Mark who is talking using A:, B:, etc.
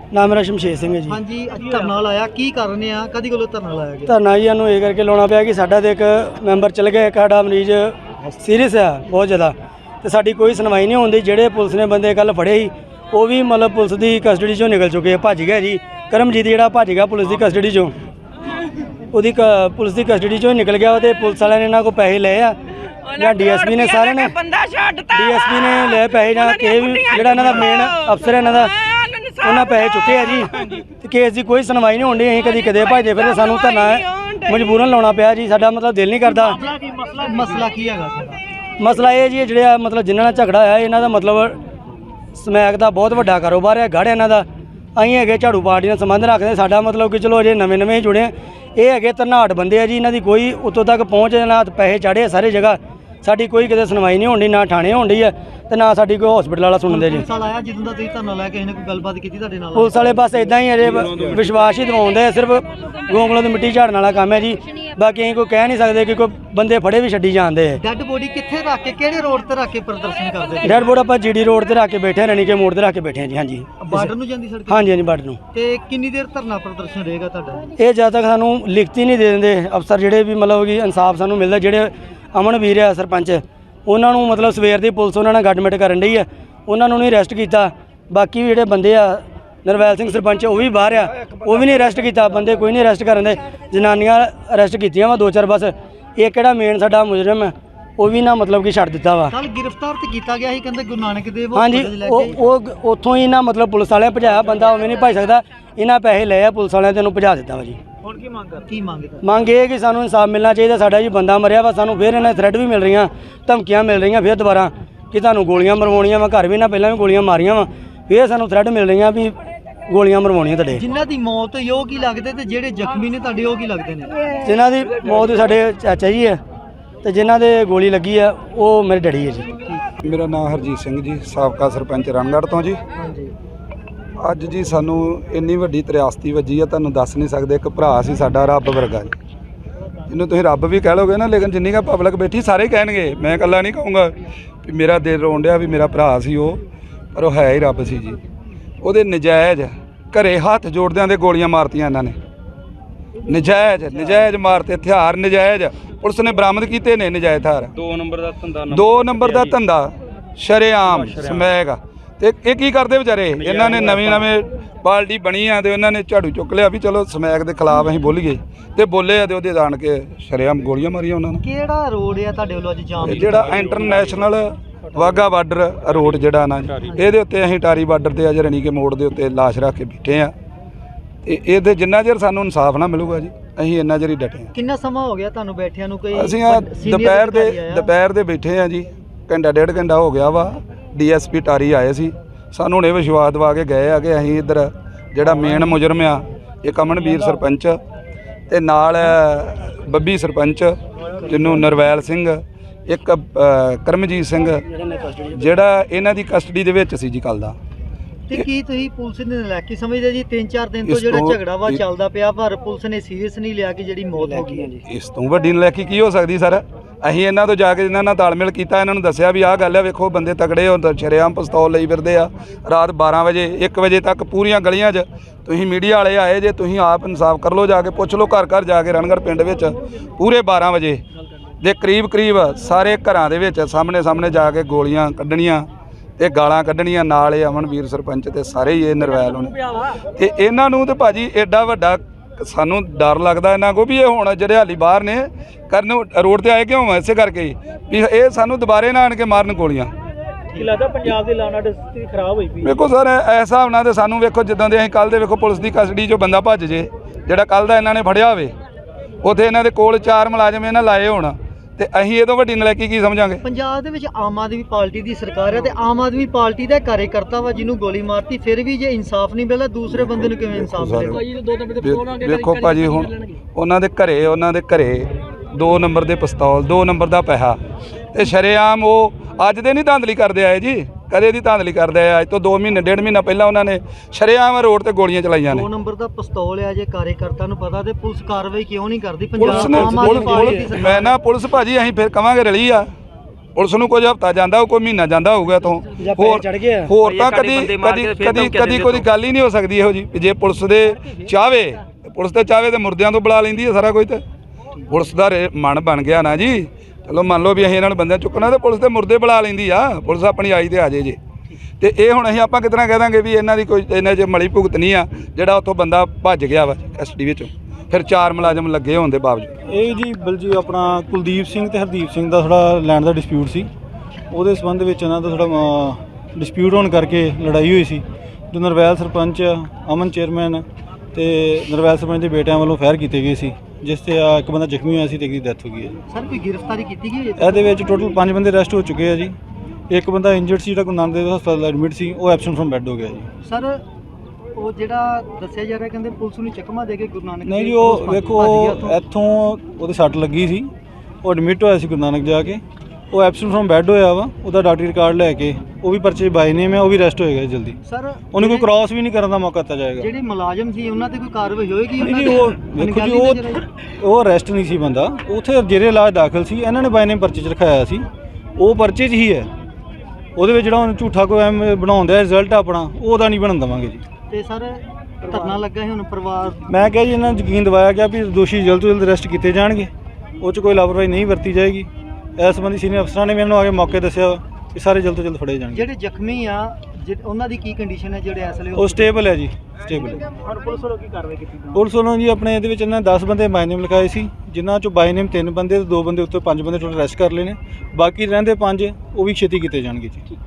A: नाम मेरा शमशेर सिंह है जी।
B: हाँ जी, धरना लाया की कारण आ कदी कोलों धरना लाया गया?
A: धरना जी सानूं ये करके लाउणा पिया कि साडा ते एक मैंबर चल गया, एक साडा मरीज सीरीयस है बहुत ज़्यादा, तो साडी कोई सुनवाई नहीं होंदी। ਜਿਹੜੇ पुलिस ने बंदे कल फड़े ही वो भी मतलब पुलिस की कस्टडी चों निकल चुके, भज गया जी। करमजीत ਜਿਹੜਾ भज गया पुलिस की कस्टडी चों, ਉਹਦੀ पुलिस की कस्टडी चों निकल गया। तो पुलिस वाले ने इन्हों को पैसे ले आ ਜਾਂ ਡੀਐਸਪੀ ਨੇ ਸਾਰਿਆਂ ਨੇ ਡੀਐਸਪੀ ਨੇ ਲੈ ਪੈਸੇ ਜਾਂ ਕਿਸੇ ਵੀ ਜਿਹੜਾ ਇਹਨਾਂ ਦਾ ਮੇਨ ਅਫਸਰ ਇਹਨਾਂ ਦਾ ਉਹਨਾਂ ਪੈਸੇ ਚੁੱਕੇ ਆ ਜੀ। ਤੇ ਕੇਸ ਦੀ ਕੋਈ ਸੁਣਵਾਈ ਨਹੀਂ ਹੁੰਦੀ। ਅਸੀਂ ਕਦੀ ਕਦੇ ਭਜਦੇ ਫਿਰਦੇ, ਸਾਨੂੰ ਧਰਨਾ ਮਜਬੂਰਨ ਲਾਉਣਾ ਪਿਆ ਜੀ। ਸਾਡਾ ਮਤਲਬ ਦਿਲ ਨਹੀਂ ਕਰਦਾ।
B: ਮਸਲਾ ਕੀ ਹੈਗਾ ਸਾਡਾ?
A: ਮਸਲਾ ਇਹ ਜੀ ਜਿਹੜਾ ਮਤਲਬ ਜਿਨ੍ਹਾਂ ਨਾਲ ਝਗੜਾ ਹੋਇਆ ਇਹਨਾਂ ਦਾ ਮਤਲਬ ਸਮੈਕ ਦਾ ਬਹੁਤ ਵੱਡਾ ਕਾਰੋਬਾਰ ਹੈ, ਗੜ੍ਹ ਇਹਨਾਂ ਦਾ। ਅਸੀਂ ਹੈਗੇ ਝਾੜੂ ਪਾਰਟੀ ਨਾਲ ਸੰਬੰਧ ਰੱਖਦੇ। ਸਾਡਾ ਮਤਲਬ ਕਿ ਚਲੋ ਅਜੇ ਨਵੇਂ ਨਵੇਂ ਜੁੜੇ, ਇਹ ਹੈਗੇ ਧਨਾਟ ਬੰਦੇ ਆ ਜੀ। ਇਹਨਾਂ ਦੀ ਕੋਈ ਉੱਤੋਂ ਤੱਕ ਪਹੁੰਚ ਨਾ, ਪੈਸੇ ਚਾੜੇ ਸਾਰੇ ਜਗ੍ਹਾ। ਸਾਡੀ ਕੋਈ ਕਿਤੇ ਸੁਣਵਾਈ ਨਹੀਂ ਹੁੰਦੀ, ਨਾ ਥਾਣੇ ਹੁੰਦੀ ਹੈ ਤੇ ਨਾ ਸਾਡੀ ਕੋਈ ਹਸਪੀਟਲ ਵਾਲਾ ਸੁਣਦੇ ਜੀ।
B: ਪੁਲਿਸ ਵਾਲਾ ਆਇਆ ਜਦੋਂ ਦਾ ਤੁਸੀਂ ਧਰਨਾ ਲੈ ਕੇ ਇਹਨੇ ਕੋਈ ਗੱਲਬਾਤ ਕੀਤੀ ਤੁਹਾਡੇ ਨਾਲ?
A: ਪੁਲਿਸ ਵਾਲੇ ਬਸ ਇਦਾਂ ਹੀ ਅਜੇ ਵਿਸ਼ਵਾਸ ਹੀ ਦਿਵਾਉਂਦੇ, ਸਿਰਫ ਗੋਂਗਲੋਂ ਦੀ ਮਿੱਟੀ ਝਾੜਨ ਵਾਲਾ ਕੰਮ ਹੈ ਜੀ। ਬਾਕੀ ਅਸੀਂ ਕੋਈ ਕਹਿ ਨਹੀਂ ਸਕਦੇ ਕਿ ਕੋਈ ਬੰਦੇ ਫੜੇ ਵੀ ਛੱਡੀ ਜਾਂਦੇ ਆ।
B: ਡੈੱਡ ਬੋਡੀ ਕਿੱਥੇ ਰੱਖ ਕੇ, ਕਿਹੜੇ ਰੋਡ ਤੇ ਰੱਖ ਕੇ ਪ੍ਰਦਰਸ਼ਨ ਕਰਦੇ?
A: ਡੈਡ ਬੋਡੀ ਆਪਾਂ ਜੀਡੀ ਰੋਡ ਤੇ ਰੱਖ ਕੇ ਬੈਠੇ, ਰਣੀ ਕੇ ਮੋੜ ਤੇ ਰੱਖ ਕੇ ਬੈਠੇ ਹਾਂ ਜੀ। ਹਾਂਜੀ,
B: ਬਾਰਡਰ ਨੂੰ ਜਾਂਦੀ ਸੜਕ?
A: ਹਾਂਜੀ ਹਾਂਜੀ, ਬਾਰਡਰ ਨੂੰ।
B: ਤੇ ਕਿੰਨੀ ਦੇਰ ਧਰਨਾ ਪ੍ਰਦਰਸ਼ਨ ਰਹੇਗਾ ਤੁਹਾਡਾ?
A: ਇਹ ਜਦ ਤੱਕ ਸਾਨੂੰ ਲਿਖਤੀ ਨਹੀਂ ਦੇ ਦਿੰਦੇ ਅਫਸਰ ਜਿਹੜੇ ਵੀ ਮਤਲਬ ਕਿ ਇਨਸਾਫ ਸਾਨੂੰ ਮਿਲਦਾ। ਜਿਹੜੇ ਅਮਨ ਵੀਰ ਆ ਸਰਪੰਚ, ਉਹਨਾਂ ਨੂੰ ਮਤਲਬ ਸਵੇਰ ਦੀ ਪੁਲਿਸ ਉਹਨਾਂ ਨਾਲ ਗੱਡਮਿਟ ਕਰਨ ਡਈ ਆ, ਉਹਨਾਂ ਨੂੰ ਨਹੀਂ ਅਰੈਸਟ ਕੀਤਾ। ਬਾਕੀ ਵੀ ਜਿਹੜੇ ਬੰਦੇ ਆ, ਨਰਵੈਲ ਸਿੰਘ ਸਰਪੰਚ ਉਹ ਵੀ ਬਾਹਰ ਆ, ਉਹ ਵੀ ਨਹੀਂ ਅਰੈਸਟ ਕੀਤਾ। ਬੰਦੇ ਕੋਈ ਨਹੀਂ ਅਰੈਸਟ ਕਰਨ ਦੇ। ਜਨਾਨੀਆਂ ਅਰੈਸਟ ਕੀਤੀਆਂ ਵਾ 2-4 ਬਸ। ਇਹ ਕਿਹੜਾ ਮੇਨ ਸਾਡਾ ਮੁਜਰਮ ਹੈ ਉਹ ਵੀ ਨਾ ਮਤਲਬ ਕਿ ਛੱਡ ਦਿੱਤਾ ਵਾ।
B: ਕੱਲ ਗ੍ਰਿਫਤਾਰ ਤੇ ਕੀਤਾ ਗਿਆ ਸੀ, ਕਹਿੰਦੇ ਗੁਰੂ ਨਾਨਕ ਦੇਵ।
A: ਹਾਂਜੀ, ਉਹ ਉੱਥੋਂ ਹੀ ਨਾ ਮਤਲਬ ਪੁਲਿਸ ਵਾਲਿਆਂ ਭਜਾਇਆ। ਬੰਦਾ ਉਵੇਂ ਨਹੀਂ ਭਜ ਸਕਦਾ। ਇਹਨਾਂ ਪੈਸੇ ਲਏ ਆ ਪੁਲਿਸ ਵਾਲਿਆਂ ਤੇ ਉਹਨੂੰ ਭਜਾ ਦਿੱਤਾ ਵਾ ਜੀ।
B: ਹੁਣ ਕੀ ਮੰਗ ਕੀ ਮੰਗਦਾ?
A: ਮੰਗ ਇਹ ਕਿ ਸਾਨੂੰ ਇਨਸਾਫ ਮਿਲਣਾ ਚਾਹੀਦਾ। ਸਾਡਾ ਜੀ ਬੰਦਾ ਮਰਿਆ ਵਾ, ਸਾਨੂੰ ਫਿਰ ਇਹਨਾਂ ਥ੍ਰੈਡ ਵੀ ਮਿਲ ਰਹੀਆਂ, ਧਮਕੀਆਂ ਮਿਲ ਰਹੀਆਂ ਫਿਰ ਦੁਬਾਰਾ ਕਿ ਤੁਹਾਨੂੰ ਗੋਲੀਆਂ ਮਰਵਾਉਣੀਆਂ ਵਾ। ਘਰ ਵੀ ਨਾ ਪਹਿਲਾਂ ਵੀ ਗੋਲੀਆਂ ਮਾਰੀਆਂ ਵਾ, ਫਿਰ ਸਾਨੂੰ ਥ੍ਰੈਡ ਮਿਲ ਰਹੀਆਂ ਵੀ ਗੋਲੀਆਂ ਮਰਵਾਉਣੀਆਂ ਤੁਹਾਡੇ।
B: ਜਿਨ੍ਹਾਂ ਦੀ ਮੌਤ ਹੋਈ ਉਹ ਕੀ ਲੱਗਦੇ ਤੇ ਜਿਹੜੇ ਜ਼ਖਮੀ ਨੇ ਤੁਹਾਡੇ ਉਹ ਕੀ ਲੱਗਦੇ ਨੇ?
A: ਜਿਨ੍ਹਾਂ ਦੀ ਮੌਤ ਸਾਡੇ ਚਾਚਾ ਜੀ ਹੈ ਤੇ ਜਿਨ੍ਹਾਂ ਦੇ ਗੋਲੀ ਲੱਗੀ ਆ ਉਹ ਮੇਰੇ ਡੈਡੀ ਹੈ ਜੀ।
C: ਮੇਰਾ ਨਾਮ ਹਰਜੀਤ ਸਿੰਘ ਜੀ, ਸਾਬਕਾ ਸਰਪੰਚ ਰਣਗੜ੍ਹ ਤੋਂ ਜੀ।
B: ਹਾਂਜੀ।
C: ਅੱਜ ਜੀ ਸਾਨੂੰ ਇੰਨੀ ਵੱਡੀ ਤ੍ਰਿਆਸਤੀ ਵੱਜੀ ਆ, ਤੁਹਾਨੂੰ ਦੱਸ ਨਹੀਂ ਸਕਦੇ। ਇੱਕ ਭਰਾ ਸੀ ਸਾਡਾ, ਰੱਬ ਵਰਗਾ ਜੀ, ਜਿਹਨੂੰ ਤੁਸੀਂ ਰੱਬ ਵੀ ਕਹਿ ਲੋਗੇ ਨਾ, ਲੇਕਿਨ ਜਿੰਨੀ ਕੁ ਪਬਲਿਕ ਬੈਠੀ ਸਾਰੇ ਕਹਿਣਗੇ, ਮੈਂ ਇਕੱਲਾ ਨਹੀਂ ਕਹੂੰਗਾ ਵੀ ਮੇਰਾ ਦਿਲ ਰੋਣ ਡਿਆ ਵੀ ਮੇਰਾ ਭਰਾ ਸੀ ਉਹ, ਪਰ ਉਹ ਹੈ ਹੀ ਰੱਬ ਸੀ ਜੀ। ਉਹਦੇ ਨਜਾਇਜ਼ ਘਰੇ ਹੱਥ ਜੋੜਦਿਆਂ ਦੇ ਗੋਲੀਆਂ ਮਾਰਤੀਆਂ ਇਹਨਾਂ ਨੇ। ਨਜਾਇਜ਼ ਮਾਰਤੇ ਹਥਿਆਰ, ਨਜਾਇਜ਼ ਪੁਲਿਸ ਨੇ ਬਰਾਮਦ ਕੀਤੇ ਨੇ ਨਜਾਇਜ਼ ਹਥਿਆਰ। 2 ਨੰਬਰ ਦਾ ਧੰਦਾ ਸ਼ਰੇਆਮ ਸਮੈਕ। ਤੇ ਇਹ ਕੀ ਕਰਦੇ ਵਿਚਾਰੇ? ਇਹਨਾਂ ਨੇ ਨਵੀਂ ਪਾਰਟੀ ਬਣੀ ਆ ਤੇ ਉਹਨਾਂ ਨੇ ਝਾੜੂ ਚੁੱਕ ਲਿਆ ਵੀ ਚਲੋ ਸਮੈਕ ਦੇ ਖਿਲਾਫ ਅਸੀਂ ਬੋਲੀਏ, ਤੇ ਬੋਲੇ ਆ ਤੇ ਉਹਦੇ ਆਣ ਕੇ ਸ਼ਰੇਆਮ ਗੋਲੀਆਂ ਮਾਰੀਆਂ ਉਹਨਾਂ ਨੇ।
B: ਕਿਹੜਾ ਰੋਡ ਆ ਤੁਹਾਡੇ ਵੱਲੋਂ ਅੱਜ ਜਾਮ?
C: ਜਿਹੜਾ ਇੰਟਰਨੈਸ਼ਨਲ ਵਾਘਾ ਬਾਰਡਰ ਰੋਡ ਜਿਹੜਾ ਨਾ, ਇਹਦੇ ਉੱਤੇ ਅਸੀਂ ਟਾਰੀ ਬਾਰਡਰ ਤੇ ਅੱਜ ਰਣੀ ਕੇ ਮੋੜ ਦੇ ਉੱਤੇ ਲਾਸ਼ ਰੱਖ ਕੇ ਬੈਠੇ ਆ। ਤੇ ਇਹਦੇ ਜਿੰਨਾ ਚਿਰ ਸਾਨੂੰ ਇਨਸਾਫ ਨਾ ਮਿਲੂਗਾ ਜੀ, ਅਸੀਂ ਇੰਨਾ ਚਿਰ ਹੀ ਡਟੇ ਆ।
B: ਕਿੰਨਾ ਸਮਾਂ ਹੋ ਗਿਆ ਤੁਹਾਨੂੰ ਬੈਠਿਆਂ ਨੂੰ? ਕੋਈ
C: ਅਸੀਂ ਦੁਪਹਿਰ ਦੇ ਬੈਠੇ ਆ ਜੀ, ਘੰਟਾ 1.5 ਘੰਟਾ ਹੋ ਗਿਆ ਵਾ। ਡੀਐਸਪੀ ਟਾਰੀ ਆਏ ਸੀ, ਸਾਨੂੰ ਹੁਣੇ ਵਿਸ਼ਵਾਸ ਦਵਾ ਕੇ ਗਏ ਆ ਕਿ ਅਸੀਂ ਇੱਧਰ ਜਿਹੜਾ ਮੇਨ ਮੁਜਰਮ ਆ ਇੱਕ ਅਮਨਵੀਰ ਸਰਪੰਚ ਤੇ ਨਾਲ ਬੱਬੀ ਸਰਪੰਚ ਜਿਹਨੂੰ ਨਰਵੈਲ ਸਿੰਘ, ਇੱਕ ਕਰਮਜੀਤ ਸਿੰਘ ਜਿਹੜਾ ਇਹਨਾਂ ਦੀ ਕਸਟਡੀ ਦੇ ਵਿੱਚ ਸੀ ਜੀ ਕੱਲ ਦਾ।
B: ਤੇ ਕੀ ਤੁਸੀਂ ਪੁਲਿਸ ਨੇ ਨਲਾਇਕੀ ਸਮਝਦੇ ਜੀ? 3-4 ਦਿਨ ਤੋਂ ਜਿਹੜਾ ਝਗੜਾ ਵਾ ਚੱਲਦਾ ਪਿਆ, ਪਰ ਪੁਲਿਸ ਨੇ ਸੀਰੀਅਸ ਨਹੀਂ ਲਿਆ ਕਿ ਜਿਹੜੀ ਮੌਤ ਹੋ ਗਈ ਹੈ ਜੀ।
C: ਇਸ ਤੋਂ ਵੱਡੀ ਨਲਾਇਕੀ ਕੀ ਹੋ ਸਕਦੀ ਸਰ? ਅਸੀਂ ਇਹਨਾਂ ਤੋਂ ਜਾ ਕੇ ਇਹਨਾਂ ਨਾਲ ਤਾਲਮੇਲ ਕੀਤਾ, ਇਹਨਾਂ ਨੂੰ ਦੱਸਿਆ ਵੀ ਆਹ ਗੱਲ ਹੈ, ਵੇਖੋ ਬੰਦੇ ਤਕੜੇ ਹੋ, ਸ਼ਰੇਆਮ ਪਿਸਤੌਲ ਲਈ ਫਿਰਦੇ ਆ। ਰਾਤ 12 ਵਜੇ 1 ਵਜੇ ਤੱਕ ਪੂਰੀਆਂ ਗਲੀਆਂ 'ਚ ਤੁਸੀਂ ਮੀਡੀਆ ਵਾਲੇ ਆਏ ਜੇ, ਤੁਸੀਂ ਆਪ ਇਨਸਾਫ ਕਰ ਲਓ, ਜਾ ਕੇ ਪੁੱਛ ਲਓ ਘਰ ਜਾ ਕੇ ਰਣਗੜ੍ਹ ਪਿੰਡ ਵਿੱਚ ਪੂਰੇ 12 ਵਜੇ ਦੇ ਕਰੀਬ ਸਾਰੇ ਘਰਾਂ ਦੇ ਵਿੱਚ ਸਾਹਮਣੇ ਜਾ ਕੇ ਗੋਲੀਆਂ ਕੱਢਣੀਆਂ ਤੇ ਗਾਲਾਂ ਕੱਢਣੀਆਂ। ਨਾਲ ਇਹ ਅਮਨਵੀਰ ਸਰਪੰਚ ਤੇ ਸਾਰੇ ਹੀ ਇਹ ਨਰਵੈਲ ਹੋਣੇ ਤੇ ਇਹਨਾਂ ਨੂੰ। ਤੇ ਭਾਜੀ ਐਡਾ ਵੱਡਾ ਸਾਨੂੰ ਡਰ ਲੱਗਦਾ ਇਹਨਾਂ ਕੋ ਵੀ ਇਹ ਹੁਣ ਜਿਹੜੇ ਹਾਲੀ ਬਾਹਰ ਨੇ ਕਰਨ ਰੋਡ ਤੇ ਆਏ ਕਿਉਂ? ਇਸੇ ਕਰਕੇ ਵੀ ਇਹ ਸਾਨੂੰ ਦੁਬਾਰੇ ਨਾ ਆਣ ਕੇ ਮਾਰਨ ਗੋਲੀਆਂ।
B: ਕੀ ਲੱਗਦਾ ਪੰਜਾਬ ਦੀ ਲਾਉਣਾ ਸਥਿਤੀ ਖਰਾਬ ਹੋਈ ਪਈ?
C: ਵੇਖੋ ਸਰ, ਇਸ ਹਿਸਾਬ ਨਾਲ ਤੇ ਸਾਨੂੰ ਵੇਖੋ ਜਿੱਦਾਂ ਦੇ ਅਸੀਂ ਕੱਲ੍ਹ ਦੇ ਵੇਖੋ ਪੁਲਿਸ ਦੀ ਕਸਟਡੀ 'ਚੋਂ ਬੰਦਾ ਭੱਜ ਜੇ, ਜਿਹੜਾ ਕੱਲ੍ਹ ਦਾ ਇਹਨਾਂ ਨੇ ਫੜਿਆ ਹੋਵੇ, ਉੱਥੇ ਇਹਨਾਂ ਦੇ ਕੋਲ 4 ਮੁਲਾਜ਼ਮ ਇਹਨਾਂ ਲਾਏ ਹੋਣ, ਤੇ ਅਸੀਂ ਇਹ ਤੋਂ ਵੱਡੀ ਨਲਾਇਕੀ ਕੀ ਸਮਝਾਂਗੇ? ਪੰਜਾਬ
B: ਦੇ ਵਿੱਚ ਆਮ ਆਦਮੀ ਪਾਰਟੀ ਦੀ ਸਰਕਾਰ ਹੈ ਤੇ ਆਮ ਆਦਮੀ ਪਾਰਟੀ ਦਾ ਕਾਰਜਕਰਤਾ ਵਾ ਜਿਹਨੂੰ ਗੋਲੀ ਮਾਰਤੀ, ਫਿਰ ਵੀ ਜੇ ਇਨਸਾਫ ਨਹੀਂ ਮਿਲਦਾ ਦੂਸਰੇ ਬੰਦੇ ਨੂੰ ਕਿਵੇਂ ਇਨਸਾਫ ਮਿਲੇਗਾ?
C: ਵੇਖੋ ਭਾਜੀ, ਹੁਣ ਉਹਨਾਂ ਦੇ ਘਰੇ 2 ਨੰਬਰ ਦੇ ਪਿਸਤੌਲ, 2 ਨੰਬਰ ਦਾ ਪੈਸਾ, ਤੇ ਸ਼ਰੇਆਮ ਉਹ ਅੱਜ ਦੇ ਨਹੀਂ ਧਾਂਦਲੀ ਕਰਦੇ ਆਏ ਜੀ, ਕਦੇ ਦੀ ਧਾਂਦਲੀ ਕਰਦੇ ਆਏ। ਅੱਜ ਤੋਂ 2 ਮਹੀਨੇ 1.5 ਮਹੀਨਾ ਪਹਿਲਾਂ ਉਹਨਾਂ ਨੇ ਸ਼ਰੇਆਮ ਰੋਡ ਤੇ ਗੋਲੀਆਂ ਚਲਾਈਆਂ ਨੇ।
B: 2 ਨੰਬਰ ਦਾ ਪਿਸਤੌਲ ਆ, ਜੇ ਕਾਰਜਕਰਤਾ ਨੂੰ ਪਤਾ ਤੇ ਪੁਲਿਸ ਕਾਰਵਾਈ ਕਿਉਂ ਨਹੀਂ ਕਰਦੀ?
C: ਮੈਂ ਨਾ ਪੁਲਿਸ ਭਾਜੀ ਅਸੀਂ ਫਿਰ ਕਵਾਂਗੇ ਰਲੀ ਆ, ਪੁਲਿਸ ਨੂੰ ਕੁਝ ਹਫ਼ਤਾ ਜਾਂਦਾ ਉਹ ਕੋਈ ਮਹੀਨਾ ਜਾਂਦਾ ਹੋਊਗਾ ਇੱਥੋਂ
A: ਜਾਂ ਪੈਰ ਚੜ੍ਹ ਗਏ ਆ।
C: ਹੋਰ ਤਾਂ ਕਦੀ ਕੋਈ ਗੱਲ ਹੀ ਨਹੀਂ ਹੋ ਸਕਦੀ ਇਹੋ ਜੀ। ਜੇ ਪੁਲਿਸ ਦੇ ਚਾਹਵੇ ਤੇ ਮੁਰਦਿਆਂ ਤੋਂ ਬੁਲਾ ਲੈਂਦੀ ਹੈ ਸਾਰਾ ਕੁਝ। ਤੇ ਪੁਲਿਸ ਦਾ ਮਨ ਬਣ ਗਿਆ ਨਾ ਜੀ, ਚਲੋ ਮੰਨ ਲਓ ਵੀ ਅਸੀਂ ਇਹਨਾਂ ਨੂੰ ਬੰਦਿਆਂ ਚੁੱਕਣਾ ਤੇ ਪੁਲਿਸ ਤੇ ਮੁਰਦੇ ਬੁਲਾ ਲੈਂਦੀ ਆ। ਪੁਲਿਸ ਆਪਣੀ ਆਈ ਤੇ ਆ ਜੇ ਜੇ ਤੇ ਇਹ ਹੁਣ ਅਸੀਂ ਆਪਾਂ ਕਿਤਨਾ ਕਹਿ ਦਾਂਗੇ ਵੀ ਇਹਨਾਂ ਦੀ ਕੋਈ ਇਹਨਾਂ 'ਚ ਮਲੀ ਭੁਗਤ ਨਹੀਂ ਆ ਜਿਹੜਾ ਉੱਥੋਂ ਬੰਦਾ ਭੱਜ ਗਿਆ ਵਾ ਕਸਟਡੀ ਵਿੱਚੋਂ, ਫਿਰ 4 ਮੁਲਾਜ਼ਮ ਲੱਗੇ ਹੋਣ ਦੇ ਬਾਵਜੂਦ।
D: ਇਹ ਜੀ ਬਲਜੀ ਆਪਣਾ ਕੁਲਦੀਪ ਸਿੰਘ ਤੇ ਹਰਦੀਪ ਸਿੰਘ ਦਾ ਥੋੜਾ ਲੈਂਡ ਦਾ ਡਿਸਪਿਊਟ ਸੀ। ਉਹਦੇ ਸੰਬੰਧ ਵਿੱਚ ਇਹਨਾਂ ਦਾ ਥੋੜਾ ਡਿਸਪਿਊਟ ਹੋਣ ਕਰਕੇ ਲੜਾਈ ਹੋਈ ਸੀ। ਜੋ ਨਰਵੈਲ ਸਰਪੰਚ ਅਮਨ ਚੇਅਰਮੈਨ ਤੇ ਨਰਵੈਲ ਸਰਪੰਚ ਦੇ ਬੇਟਿਆਂ ਵੱਲੋਂ ਫਾਇਰ ਕੀਤੇ ਗਏ ਸੀ, ਜਿਸ ਤੇ ਇੱਕ ਬੰਦਾ ਜ਼ਖਮੀ ਹੋਇਆ ਸੀ ਤੇ ਇੱਕ ਦੀ ਡੈਥ ਹੋ ਗਈ ਹੈ ਜੀ।
B: ਸਰ ਕੋਈ ਗ੍ਰਿਫਤਾਰੀ ਕੀਤੀ ਗਈ ਹੈ?
D: ਇਹਦੇ ਵਿੱਚ ਟੋਟਲ 5 ਬੰਦੇ ਅਰੈਸਟ ਹੋ ਚੁੱਕੇ ਆ ਜੀ। ਇੱਕ ਬੰਦਾ ਇੰਜਰਡ ਸੀ ਜਿਹੜਾ ਗੁਰੂ ਨਾਨਕ ਦੇਵ ਹਸਪਤਾਲ ਐਡਮਿਟ ਸੀ, ਉਹ ਐਬਸੈਂਟ ਫਰਮ ਬੈੱਡ ਹੋ ਗਿਆ ਜੀ।
B: ਸਰ ਉਹ ਜਿਹੜਾ ਦੱਸਿਆ ਜਾ ਰਿਹਾ ਕਹਿੰਦੇ ਪੁਲਿਸ ਨੂੰ ਚਕਮਾ ਦੇ ਕੇ ਗੁਰੂ ਨਾਨਕ
D: ਨਹੀਂ ਜੀ, ਉਹ ਵੇਖੋ ਇੱਥੋਂ ਉਹਦੇ ਸੱਟ ਲੱਗੀ ਸੀ, ਉਹ ਐਡਮਿਟ ਹੋਇਆ ਸੀ ਗੁਰੂ ਨਾਨਕ ਜਾ ਕੇ, ਉਹ ਐਬਸੈਂਟ ਫਰਮ ਬੈੱਡ ਹੋਇਆ ਵਾ। ਉਹਦਾ ਡਾਕਟਰੀ ਰਿਕਾਰਡ ਲੈ ਕੇ ਉਹ ਵੀ ਪਰਚੇ ਬਾਈ ਨੇਮ ਹੈ, ਉਹ ਵੀ ਅਰੈਸਟ ਹੋਏਗਾ ਜਲਦੀ।
B: ਸਰ
D: ਉਹਨੂੰ ਕੋਈ ਕ੍ਰਾਸ ਵੀ ਨਹੀਂ ਕਰਨ ਦਾ ਮੌਕਾ ਦਿੱਤਾ ਜਾਏਗਾ।
B: ਜਿਹੜੇ ਮੁਲਾਜ਼ਮ ਸੀ ਉਹਨਾਂ ਤੇ ਕੋਈ ਕਾਰਵਾਈ ਹੋਏਗੀ?
D: ਨਹੀਂ ਜੀ, ਉਹ ਵੇਖੋ ਜੀ, ਉਹ ਅਰੈਸਟ ਨਹੀਂ ਸੀ ਬੰਦਾ, ਉੱਥੇ ਜੇਰੇ ਇਲਾਜ ਦਾਖਲ ਸੀ। ਇਹਨਾਂ ਨੇ ਬਾਈ ਨੇਮ ਪਰਚੇ 'ਚ ਰਖਾਇਆ ਸੀ, ਉਹ ਪਰਚੇ 'ਚ ਹੀ ਹੈ। ਉਹਦੇ ਵਿੱਚ ਜਿਹੜਾ ਉਹਨੂੰ ਝੂਠਾ ਕੋਈ ਐਮ ਬਣਾਉਂਦਾ ਰਿਜ਼ਲਟ ਆਪਣਾ, ਉਹਦਾ ਨਹੀਂ ਬਣਨ ਦੇਵਾਂਗੇ ਜੀ।
B: ਤੇ ਸਰ ਧਰਨਾ ਲੱਗਾ ਹੈ ਹੁਣ ਪਰਿਵਾਰ?
D: ਮੈਂ ਕਿਹਾ ਜੀ ਇਹਨਾਂ ਨੂੰ ਯਕੀਨ ਦਿਵਾਇਆ ਗਿਆ ਵੀ ਦੋਸ਼ੀ ਜਲਦ ਤੋਂ ਜਲਦ ਅਰੈਸਟ ਕੀਤੇ ਜਾਣਗੇ, ਉਹ 'ਚ ਕੋਈ ਲਾਪਰਵਾਹੀ ਨਹੀਂ ਵਰਤੀ ਜਾਏਗੀ। ਇਸ ਸੰਬੰਧੀ ਸੀਨੀਅਰ ਅਫਸਰਾਂ ਨੇ ਵੀ ਮੈਨੂੰ ਆ ਕੇ ਮੌਕੇ ਦੱਸਿਆ ਕਿ ਸਾਰੇ ਜਲਦ ਤੋਂ ਜਲਦ ਫੜੇ ਜਾਣਗੇ।
B: ਜਿਹੜੇ ਜ਼ਖਮੀ ਆ ਉਹਨਾਂ ਦੀ ਕੀ ਕੰਡੀਸ਼ਨ ਹੈ ਜਿਹੜੇ ਇਸ ਵੇਲੇ?
D: ਉਹ ਸਟੇਬਲ ਹੈ ਜੀ, ਸਟੇਬਲ ਹੈ।
B: ਔਰ ਪੁਲਿਸ ਵੱਲੋਂ ਕੀ ਕਾਰਵਾਈ ਕੀਤੀ?
D: ਪੁਲਿਸ ਵੱਲੋਂ ਜੀ ਆਪਣੇ ਇਹਦੇ ਵਿੱਚ ਇਹਨਾਂ 10 ਬੰਦੇ ਬਾਈ ਨੇਮ ਲਿਖਾਏ ਸੀ, ਜਿਨ੍ਹਾਂ 'ਚੋਂ ਬਾਈ ਨੇਮ 3 ਬੰਦੇ ਤੇ 2 ਬੰਦੇ ਉੱਤੇ 5 ਬੰਦੇ ਟੋਟਲ ਅਰੈਸਟ ਕਰ ਲਏ ਨੇ। ਬਾਕੀ ਰਹਿੰਦੇ 5 ਉਹ ਵੀ ਛੇਤੀ ਕੀਤੇ ਜਾਣਗੇ ਜੀ।